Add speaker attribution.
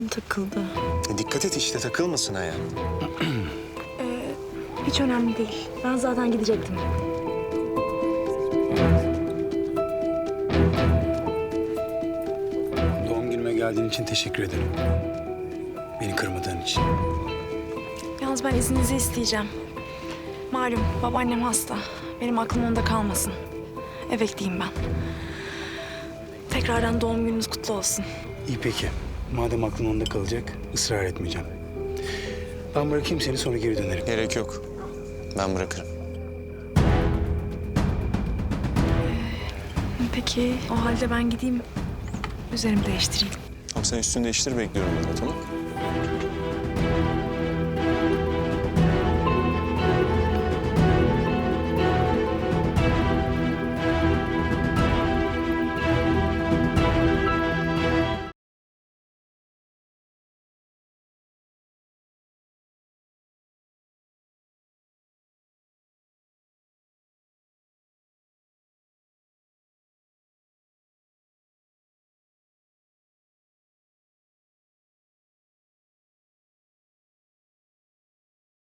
Speaker 1: Takıldı.
Speaker 2: Dikkat et işte takılmasın ayağa.
Speaker 1: Hiç önemli değil. Ben zaten gidecektim.
Speaker 3: Doğum günüme geldiğin için teşekkür ederim. Beni kırmadığın için.
Speaker 1: Yalnız ben izninizi isteyeceğim. Malum babaannem hasta. Benim aklım onda kalmasın. Eve gideyim ben. Tekrardan doğum gününüz kutlu olsun.
Speaker 3: İyi peki. Madem aklın onda kalacak, ısrar etmeyeceğim. Ben bırakayım seni, sonra geri dönerim.
Speaker 2: Gerek yok. Ben bırakırım.
Speaker 1: Peki o halde ben gideyim. Üzerimi değiştireyim.
Speaker 2: Tamam sen üstünü değiştir bekliyorum ben de tamam.